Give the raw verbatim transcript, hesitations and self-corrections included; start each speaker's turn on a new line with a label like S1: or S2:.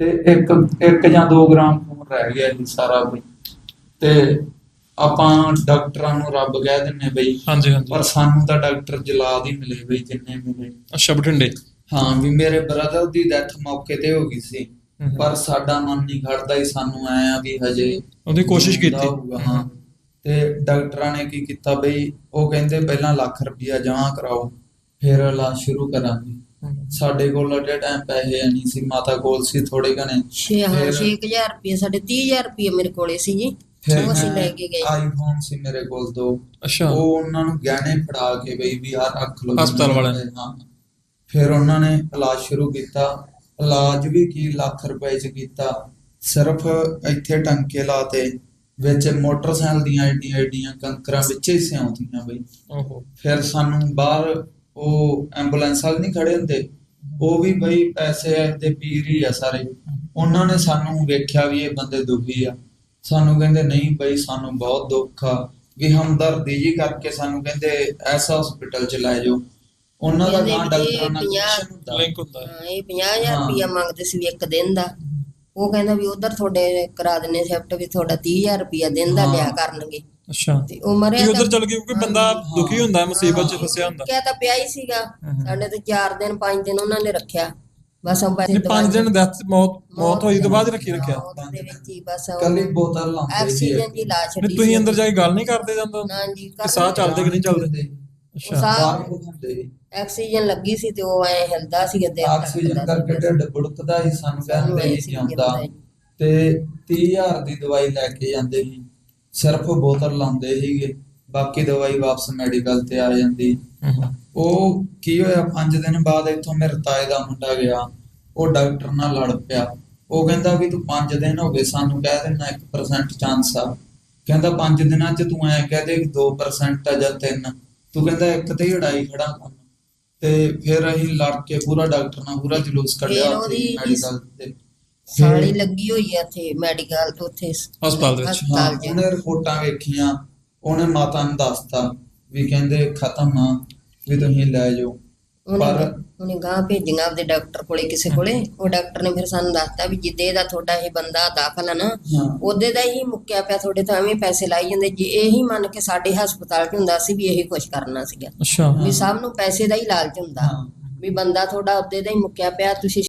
S1: ਤੇ ਇੱਕ ਇੱਕ ਜਾਂ ਦੋ ਗ੍ਰਾਮ ਖੂਨ ਰਹਿ ਗਿਆ ਜੀ ਸਾਰਾ ਬਈ। ਤੇ ਆਪਾਂ ਡਾਕਟਰਾਂ ਨੂੰ ਰੱਬ ਕਹਿ ਦਿੰਨੇ ਬਈ,
S2: ਹਾਂਜੀ ਹਾਂਜੀ।
S1: ਪਰ ਸਾਨੂੰ ਤਾਂ ਡਾਕਟਰ ਜਲਾਦ ਹੀ ਮਿਲੇ ਬਈ ਜਿੰਨੇ ਮਿਲੇ।
S2: ਅੱਛਾ, ਬਠਿੰਡੇ।
S1: ਹਾਂ ਵੀ ਮੇਰੇ ਬ੍ਰਦਰ ਦੀ ਡੈਥ ਮੌਕੇ ਤੇ ਹੋ ਗਈ ਸੀ,
S2: ਹਮ।
S1: ਪਰ ਸਾਡਾ ਮਨ ਨਹੀਂ ਖੜਦਾ ਹੀ, ਸਾਨੂੰ ਐ ਆ ਵੀ ਹਜੇ
S2: ਉਹਦੀ ਕੋਸ਼ਿਸ਼
S1: ਜਿਉਂਦਾ
S2: ਕੀਤੀ।
S1: ਹੋਊਗਾ। ਹਾਂ ਤੇ ਡਾਕਟਰਾਂ ਨੇ ਕੀ ਕੀਤਾ ਬਈ, ਉਹ ਕਹਿੰਦੇ ਪਹਿਲਾਂ ਲੱਖ ਰੁਪਇਆ ਜਮ੍ਹਾਂ ਕਰਾਓ ਫਿਰ ਇਲਾਜ ਸ਼ੁਰੂ ਕਰਾਂਗੇ।
S2: ਹਮ।
S1: ਸਾਡੇ ਕੋਲ ਅੱਡੇ ਟਾਈਮ ਪੈਸੇ ਹੈ ਨਹੀਂ ਸੀ, ਮਾਤਾ ਕੋਲ ਸੀ ਥੋੜੇ ਘਣੇ।
S3: ਛੇ ਹਾਂ
S1: ਫਿਰ
S3: ਛੇ ਕੁ ਹਜ਼ਾਰ ਰੁਪਏ, ਸਾਡੇ ਤੀਹ ਹਜ਼ਾਰ ਰੁਪਏ ਮੇਰੇ ਕੋਲੇ ਸੀ ਜੀ,
S1: ਫਿਰ
S3: ਉਹ ਅਸੀਂ
S1: ਮੈਂ
S3: ਲੈ ਕੇ ਗਏ।
S1: ਆਈਫੋਨ ਸੀ ਮੇਰੇ ਕੋਲ ਦੋ,
S2: ਅੱਛਾ।
S1: ਉਹ ਉਹਨਾਂ ਨੂੰ ਗਹਿਣੇ ਫੜਾ ਕੇ ਬਈ ਵੀ ਆਹ ਰੱਖ ਲਓ
S2: ਹਸਪਤਾਲ ਵਾਲਿਆਂ ਨੇ।
S1: ਹਾਂ। ਫਿਰ ਉਹਨਾਂ ਨੇ ਇਲਾਜ ਸ਼ੁਰੂ ਕੀਤਾ। ਇਲਾਜ ਵੀ ਕੀ ਲੱਖ ਰੁਪਏ ਚ ਕੀਤਾ, ਸਿਰਫ ਇੱਥੇ ਟੰਕੇ ਲਾਤੇ, ਵਿੱਚ ਮੋਟਰਸਾਈਕਲ ਦੀਆਂ ਏਡੀਆਂ ਏਡੀਆਂ ਕੰਕਰਾਂ ਵਿੱਚ ਹੀ ਸਿਉਂਦੀਆਂ ਬਈ।
S2: ਓਹੋ।
S1: ਫਿਰ ਸਾਨੂੰ ਬਾਹਰ ਉਹ ਐਂਬੂਲੈਂਸ ਵਾਲੇ ਨਹੀਂ ਖੜੇ ਹੁੰਦੇ, ਉਹ ਵੀ ਬਈ ਪੈਸੇ ਦੇ ਪੀਰ ਹੀ ਆ ਸਾਰੇ। ਉਹਨਾਂ ਨੇ ਸਾਨੂੰ ਵੇਖਿਆ ਵੀ ਇਹ ਬੰਦੇ ਦੁਖੀ ਆ, ਸਾਨੂੰ ਕਹਿੰਦੇ ਨਹੀਂ ਬਈ ਸਾਨੂੰ ਬਹੁਤ ਦੁੱਖ ਆ, ਵੀ ਹਮਦਰਦੀ ਜੀ ਕਰਕੇ ਸਾਨੂੰ ਕਹਿੰਦੇ ਐਸਾ ਹਸਪੀਟਲ ਚ ਲੈ ਜਾਓ। ਉਹਨਾਂ ਦਾ
S3: ਕਹਿੰਦੇ
S1: ਨਾਂ
S3: ਵੀ
S1: ਡਾਕਟਰਾਂ
S3: ਇਹ
S1: ਨਾਲ
S3: ਪੰਜਾਹ
S1: ਕਨੈਕਸ਼ਨ ਹੁੰਦਾ।
S2: ਲਿੰਕ ਹੁੰਦਾ ਹੈ।
S3: ਹਾਂ, ਇਹ ਪੰਜਾਹ ਹਜ਼ਾਰ
S1: ਹਾਂ।
S3: ਰੁਪਇਆ ਮੰਗਦੇ ਸੀ ਵੀ ਇੱਕ ਦਿਨ ਦਾ। ਉਹ ਕਹਿੰਦਾ ਵੀ ਉਧਰ ਤੁਹਾਡੇ ਕਰਾ ਦਿੰਨੇ ਸ਼ਿਫਟ, ਵੀ ਤੁਹਾਡਾ ਤੀਹ ਹਜ਼ਾਰ ਰੁਪਇਆ ਦਿਨ ਦਾ ਲਿਆ
S1: ਹਾਂ।
S3: ਕਰਨਗੇ।
S2: ਅੱਛਾ,
S3: ਤੇ ਉਹ ਮਰਿਆ
S2: ਤੁਸੀਂ ਉਧਰ
S3: ਤਾਂ-
S2: ਚਲ ਗਏ ਕਿਉਂਕਿ ਬੰਦਾ
S3: ਹਾਂਜੀ।
S2: ਦੁਖੀ ਹੁੰਦਾ, ਮੁਸੀਬਤ ਚ
S1: ਹਾਂ।
S2: ਫਸਿਆ ਹੁੰਦਾ।
S3: ਕਿਆ ਤਾਂ ਪਿਆ ਹੀ ਸੀਗਾ
S2: ਹਮ।
S3: ਸਾਡੇ ਤੇ, ਚਾਰ ਦਿਨ ਪੰਜ ਦਿਨ ਉਹਨਾਂ ਨੇ ਰੱਖਿਆ ਬਸ। ਉਹ ਪੈਸੇ
S2: ਨਹੀਂ, ਪੰਜ ਦਿਨ ਡੈਥ ਮੌਤ ਮੌਤ ਹੋਈ ਤੋਂ ਬਾਅਦ ਰੱਖੀ ਰੱਖਿਆ।
S3: ਮੌਤ ਦੇ ਵਿੱਚ ਹੀ ਬਸ ਉਹ
S1: ਕੱਲੀ ਬੋਤਲ ਲਾਉਂਦੇ ਸੀ
S3: ਆਕਸੀਜਨ
S1: ਇੱਕ।
S3: ਦੀ ਲਾ ਛੱਡੀ
S2: ਨਹੀਂ, ਤੁਸੀਂ
S3: ਸੀ।
S2: ਅੰਦਰ ਜਾ ਕੇ ਗੱਲ ਨਹੀਂ ਕਰਦੇ ਜਾਂਦਾ
S3: ਨਾ ਜੀ,
S2: ਕਿ ਸਾਹ ਚੱਲਦੇ ਕਿ ਨਹੀਂ ਚੱਲਦੇ?
S3: ਉਹ
S2: ਅੱਛਾ।
S3: ਸਾਹ
S1: ਬਾਹਰ ਹੁੰਦੇ ਸੀ।
S3: ਆਕਸੀਜਨ ਲੱਗੀ ਸੀ ਤੇ ਉਹ ਐ ਹਿਲਦਾ ਸੀ ਅੱਧੇ
S1: ਆਕਸੀਜਨ ਕਰਕੇ ਢਿੱਡ ਬੁੜਕਦਾ ਸੀ, ਸਾਨੂੰ ਕਹਿੰਦੇ ਹੀ ਜਾਂਦਾ। ਤੇ ਤੀਹ ਹਜ਼ਾਰ ਦੀ ਦਵਾਈ ਲੈ ਕੇ ਜਾਂਦੇ ਸੀ, ਸਿਰਫ ਬੋਤਲ ਲਾਉਂਦੇ ਸੀਗੇ, ਬਾਕੀ ਦਵਾਈ ਵਾਪਸ ਮੈਡੀਕਲ ਤੇ ਆ ਜਾਂਦੀ।
S2: ਹਮ।
S1: ਉਹ ਕੀ ਹੋਇਆ, ਪੰਜ ਦਿਨ ਬਾਅਦ ਇੱਥੋਂ ਮੇਰੇ ਤਾਏ ਦਾ ਮੁੰਡਾ ਗਿਆ, ਉਹ ਡਾਕਟਰ ਨਾਲ ਲੜ ਪਿਆ। ਉਹ ਕਹਿੰਦਾ ਵੀ ਤੂੰ ਪੰਜ ਦਿਨ ਹੋ ਗਏ ਸਾਨੂੰ ਕਹਿ ਦਿੰਦਾ ਇੱਕ ਪਰਸੈਂਟ ਚਾਂਸ ਆ, ਕਹਿੰਦਾ ਪੰਜ ਦਿਨਾਂ ਚ ਤੂੰ ਐ ਕਹਿ ਦੇ ਦੋ ਪਰਸੈਂਟ ਆ ਜਾਂ ਤਿੰਨ, ਤੂੰ ਕਹਿੰਦਾ ਇੱਕ ਤੇ ਹੀ ਉਡਾਈ ਖੜਾ ਕੰਮ। ਤੇ ਫਿਰ ਅਸੀਂ ਲੜ ਕੇ ਪੂਰਾ ਡਾਕਟਰ ਨਾਲ ਪੂਰਾ ਜਲੂਸ ਕੱਢਿਆ
S3: ਫਿਰ
S1: ਉੱਥੇ
S3: ਉਹਦੀ
S1: ਮੈਡੀਕਲ ਤੇ।
S3: ਸਾਲੀ ਲੱਗੀ ਹੋਈ ਆ ਇੱਥੇ ਮੈਡੀਕਲ ਤੋਂ, ਉੱਥੇ
S2: ਹਸਪਤਾਲ ਦੇ ਵਿੱਚ।
S1: ਹਾਂ,
S3: ਹਸਪਤਾਲ 'ਚ।
S1: ਉਹਨੇ ਰਿਪੋਰਟਾਂ ਵੇਖੀਆਂ, ਉਹਨੇ ਮਾਤਾ ਨੂੰ ਦੱਸਤਾ ਵੀ ਕਹਿੰਦੇ ਖਤਮ ਆ, ਵੀ ਤੁਸੀਂ ਲੈ ਜਾਓ।
S3: ਉਹਨੇ
S1: ਪਰ
S3: ਉਹਨੇ ਗਾਂ ਭੇਜੀਆਂ ਆਪਦੇ ਡਾਕਟਰ ਕੋਲੇ, ਕਿਸੇ ਕੋਲੇ। ਉਹ ਡਾਕਟਰ ਨੇ ਫਿਰ ਸਾਨੂੰ ਦੱਸਤਾ ਵੀ ਜਿੱਦੇ ਦਾ ਤੁਹਾਡਾ ਇਹ ਬੰਦਾ ਦਾਖਲ ਆ ਨਾ,
S1: ਹਾਂ
S3: ਉਹਦੇ ਦਾ ਹੀ ਮੁੱਕਿਆ ਪਿਆ, ਤੁਹਾਡੇ ਤਾਂ ਐਵੇਂ ਪੈਸੇ ਲਾਈ ਜਾਂਦੇ। ਜੇ ਇਹੀ ਮੰਨ ਕੇ ਸਾਡੇ ਹਸਪਤਾਲ 'ਚ ਹੁੰਦਾ ਸੀ ਵੀ ਇਹੀ ਕੁਛ ਕਰਨਾ ਸੀਗਾ,
S2: ਅੱਛਾ।
S3: ਵੀ ਸਭ ਨੂੰ ਪੈਸੇ ਦਾ ਹੀ ਲਾਲਚ ਹੁੰਦਾ
S1: ਹਾਂ
S3: ਵੀ ਬੰਦਾ ਤੁਹਾਡਾ ਉਹਦੇ ਦਾ ਹੀ ਮੁੱਕਿਆ ਪਿਆ, ਤੁਸੀਂ